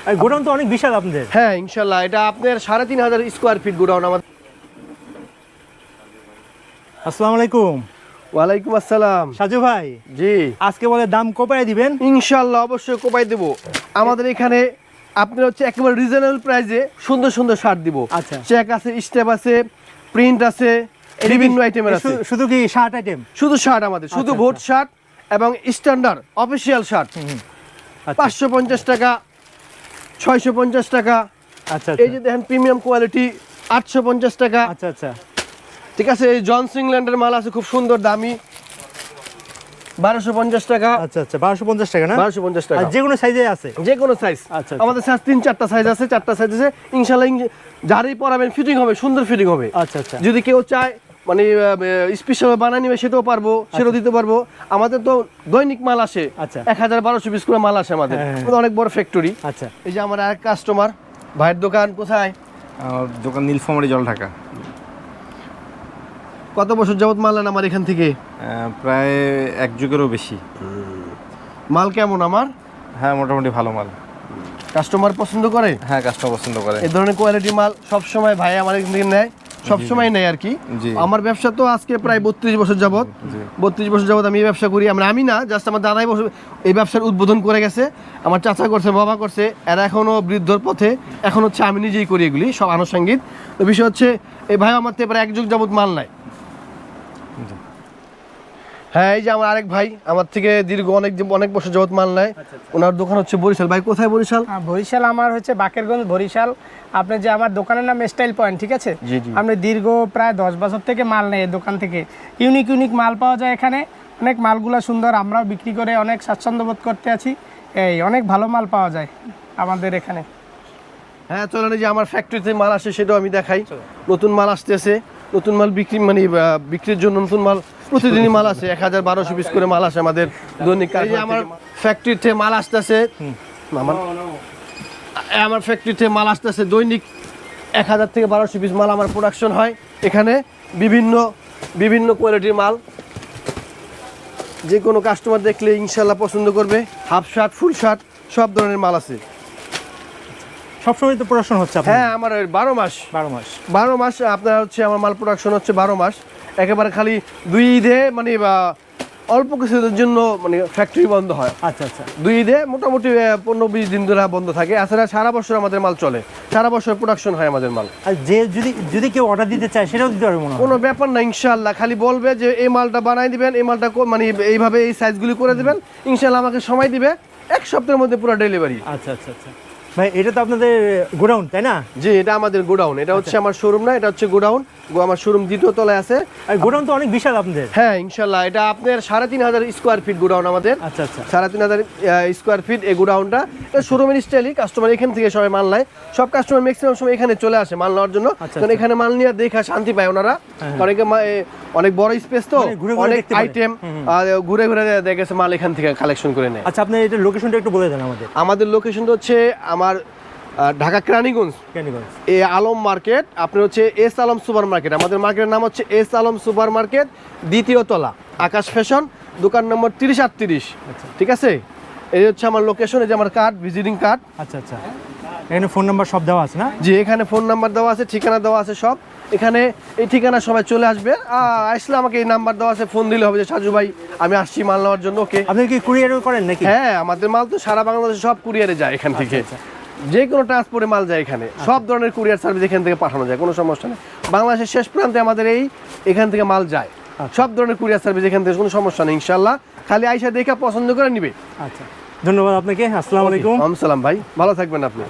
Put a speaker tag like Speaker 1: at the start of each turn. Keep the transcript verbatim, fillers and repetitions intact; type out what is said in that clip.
Speaker 1: Godown তো অনেক বিশাল আপনাদের।
Speaker 2: হ্যাঁ ইনশাল্লাহ, এটা আপনার সাড়ে তিন হাজার স্কোয়ার ফিট গোডাউন আমাদের।
Speaker 1: আসসালামু আলাইকুম।
Speaker 2: ওয়ালাইকুম আসসালাম।
Speaker 1: সাজু ভাই,
Speaker 2: জি
Speaker 1: আজকে বলে দাম কোপায় দিবেন?
Speaker 2: ইনশাল্লাহ অবশ্যই কোপাই দেব। আমাদের এখানে আপনার হচ্ছে একেবারে রিজনেবল প্রাইসে সুন্দর সুন্দর শার্ট দিব।
Speaker 1: আচ্ছা,
Speaker 2: চেক আছে, স্টেপ আছে, প্রিন্ট আছে, বিভিন্ন আইটেমের আছে।
Speaker 1: শুধু কি শার্ট আইটেম?
Speaker 2: শুধু শার্ট আমাদের, শুধু ভোট শার্ট এবং স্ট্যান্ডার্ড অফিসিয়াল শার্ট পাঁচশো পঞ্চাশ টাকা, ছয়শো পঞ্চাশ টাকা।
Speaker 1: আচ্ছা,
Speaker 2: এই যে দেখেন প্রিমিয়াম কোয়ালিটি আটশো পঞ্চাশ টাকা।
Speaker 1: আচ্ছা আচ্ছা,
Speaker 2: ঠিক আছে। এই জনস ইংল্যান্ডের মাল আছে খুব সুন্দর দামি, বারোশো পঞ্চাশ টাকা।
Speaker 1: আচ্ছা আচ্ছা, বারোশো পঞ্চাশ টাকা না?
Speaker 2: বারোশো পঞ্চাশ টাকা,
Speaker 1: যে কোনো সাইজে আছে?
Speaker 2: যে কোনো সাইজ।
Speaker 1: আচ্ছা,
Speaker 2: আমাদের সাইজ তিন চারটা সাইজ আছে, চারটা সাইজ আছে ইনশাল্লাহ। যারই পরাবেন ফিটিং হবে, সুন্দর ফিটিং হবে।
Speaker 1: আচ্ছা আচ্ছা,
Speaker 2: যদি কেউ চায় মানে স্পেশাল বানায় নিবে সেটাও পারবো, সেটাও দিতে পারবো। আমাদের তো দৈনিক মাল আসে,
Speaker 1: আচ্ছা,
Speaker 2: এক হাজার বারোশো পিস করে মাল আসে আমাদের, অনেক বড় ফ্যাক্টরি।
Speaker 1: আচ্ছা,
Speaker 2: এই যে আমার আরেক কাস্টমার ভাইয়ের দোকান কোথায়?
Speaker 3: আমার দোকান নীলফামারী জল ঢাকা।
Speaker 2: কত বছর যাবত মাল নেন আমার এখান থেকে?
Speaker 3: প্রায় এক যুগেরও বেশি।
Speaker 2: মাল কেমন আমার?
Speaker 3: হ্যাঁ মোটামুটি ভালো মাল।
Speaker 2: কাস্টমার পছন্দ করে?
Speaker 3: হ্যাঁ কাস্টমার পছন্দ করে।
Speaker 2: এই ধরনের কোয়ালিটি মাল সবসময় ভাই আমার এখান থেকে নেয়, সবসময় নেয় আর কি। আমার ব্যবসা তো আজকে প্রায় বত্রিশ বছর যাবত, বত্রিশ বছর যাবত আমি এই ব্যবসা করি। আমরা আমি না, জাস্ট আমার দাদাই বছর এই ব্যবসার উদ্বোধন করে গেছে, আমার চাচা করছে, বাবা করছে, এরা এখনও বৃদ্ধর পথে। এখন হচ্ছে আমি নিজেই করি এগুলি সব আনুষঙ্গিক। তো বিষয় হচ্ছে এই ভাই আমার থেকে প্রায় এক যুগ যাবত মাল নেয়। হ্যাঁ এই যে আমার আরেক ভাই আমার থেকে দীর্ঘ অনেক অনেক বছর যাবত মাল নেয়, ওনার দোকান হচ্ছে বরিশাল। ভাই কোথায় বরিশাল?
Speaker 4: বরিশাল আমার হচ্ছে বাকেরগঞ্জ বরিশাল। আপনি যে আমার দোকানের নাম স্টাইল পয়েন্ট, ঠিক আছে? আপনি দীর্ঘ প্রায় দশ বছর থেকে মাল নেয় এই দোকান থেকে। ইউনিক ইউনিক মাল পাওয়া যায় এখানে, অনেক মালগুলো সুন্দর, আমরাও বিক্রি করে অনেক স্বাচ্ছন্দ্য বোধ করতে আছি। এই অনেক ভালো মাল পাওয়া যায় আমাদের এখানে।
Speaker 2: হ্যাঁ চলেন, যে আমার ফ্যাক্টরিতে মাল আসে সেটাও আমি দেখাই। নতুন মাল আসতেছে, নতুন মাল বিক্রি মানে বিক্রির জন্য নতুন মাল প্রতিদিনই মাল আসে, এক হাজার বারোশো পিস করে মাল আসে আমাদের দৈনিক। এই যে আমার ফ্যাক্টরিতে মাল আসতেছে, আমার আমার ফ্যাক্টরিতে মাল আসতেছে দৈনিক এক হাজার থেকে বারোশো পিস মাল আমার প্রোডাকশন হয় এখানে। বিভিন্ন বিভিন্ন কোয়ালিটির মাল, যে কোনো কাস্টমার দেখলে ইনশাল্লাহ পছন্দ করবে। হাফ শার্ট, ফুল শার্ট, সব ধরনের মাল আছে।
Speaker 1: সবসময় তো প্রোডাকশন হচ্ছে?
Speaker 2: হ্যাঁ আমার বারো মাস
Speaker 1: বারো মাস
Speaker 2: বারো মাস আপনার হচ্ছে আমার মাল প্রোডাকশন হচ্ছে বারো মাস। একেবারে খালি দুই ঈদে মানে বা অল্প কিছুদের জন্য মানে ফ্যাক্টরি বন্ধ হয়।
Speaker 1: আচ্ছা আচ্ছা,
Speaker 2: দুই ঈদে মোটামুটি পনেরো বিশ দিন ধরে বন্ধ থাকে, এছাড়া সারা বছর আমাদের মাল চলে, সারা বছর প্রোডাকশন হয় আমাদের মাল।
Speaker 1: আর যে যদি যদি কেউ অর্ডার দিতে চায় সেটাও দিতে পারবে?
Speaker 2: কোনো ব্যাপার না ইনশাল্লাহ, খালি বলবে যে এই মালটা বানাই দিবেন, এই মালটা মানে এইভাবে এই সাইজগুলি করে দিবেন, ইনশাল্লাহ আমাকে সময় দিবে, এক সপ্তাহের মধ্যে পুরো ডেলিভারি।
Speaker 1: আচ্ছা আচ্ছা আচ্ছা ভাই, এটা তো আপনাদের গোডাউন তাই না?
Speaker 2: জি এটা আমাদের গোডাউন, এটা হচ্ছে আমার শোরুম না, এটা হচ্ছে গোডাউন। আমার শোরুম দ্বিতীয় তলায় আছে।
Speaker 1: আর গোডাউন তো অনেক বিশাল আপনাদের।
Speaker 2: হ্যাঁ ইনশাল্লাহ, এটা আপনার সাড়ে তিন হাজার স্কোয়ার ফিট গোডাউন আমাদের।
Speaker 1: আচ্ছা আচ্ছা,
Speaker 2: সাড়ে তিন হাজার স্কোয়ার ফিট এই গোডাউনটা। এটা শোরুমের স্টাইলই, কাস্টমার এখান থেকে সবাই মাল নেয়, সব কাস্টমার ম্যাক্সিমাম সময় এখানে চলে আসে মাল নেওয়ার জন্য, কারণ এখানে মাল নিয়ে দেখা শান্তি পায় ওনারা। অনেকে অনেক বড় স্পেস তো, অনেক আইটেম ঘুরে ঘুরে দেখেছে মাল এখান থেকে কালেকশন করে নেয়।
Speaker 1: আচ্ছা, আপনি এটা লোকেশনটা একটু বলে দেন আমাদের।
Speaker 2: আমাদের লোকেশনটা হচ্ছে আমার ঢাকা কেরানীগঞ্জ, এ আলম মার্কেট। আপনার হচ্ছে এস আলম সুপার মার্কেট, আমাদের মার্কেটের নাম হচ্ছে এস আলম সুপার মার্কেট, দ্বিতীয় তলা, আকাশ ফ্যাশন, দোকান নম্বর তিরিশ আটত্রিশ। ঠিক আছে, এই হচ্ছে আমার লোকেশন। এই যে আমার কার্ড, ভিজিটিং কার্ড।
Speaker 1: আচ্ছা আচ্ছা, এখানে ফোন নাম্বার সব দেওয়া আছে না?
Speaker 2: জি এখানে ফোন নাম্বার দেওয়া আছে, ঠিকানা দেওয়া আছে সব। এখানে এই ঠিকানা সবাই চলে আসবে, আসলে আমাকে এই নাম্বার দেওয়া আছে, ফোন দিলে হবে যে সাজু ভাই আমি আসছি মাল নেওয়ার জন্য। ওকে,
Speaker 1: আপনি কি কুরিয়ারও করেন নাকি?
Speaker 2: হ্যাঁ আমাদের মাল তো সারা বাংলাদেশে সব কুরিয়ারে যায় এখান থেকে, যে কোনো ট্রান্সপোর্টে মাল যায় এখানে, সব ধরনের কুরিয়ার সার্ভিস এখান থেকে পাঠানো যায়, কোনো সমস্যা নেই। বাংলাদেশের শেষ প্রান্তে আমাদের এই এখান থেকে মাল যায়, সব ধরনের কুরিয়ার সার্ভিস এখান থেকে, কোনো সমস্যা নেই ইনশাল্লাহ। খালি আইসা দেখে পছন্দ করে নিবে।
Speaker 1: আচ্ছা ধন্যবাদ আপনাকে। আসসালামু আলাইকুম।
Speaker 2: আসসালাম ভাই, ভালো থাকবেন আপনি।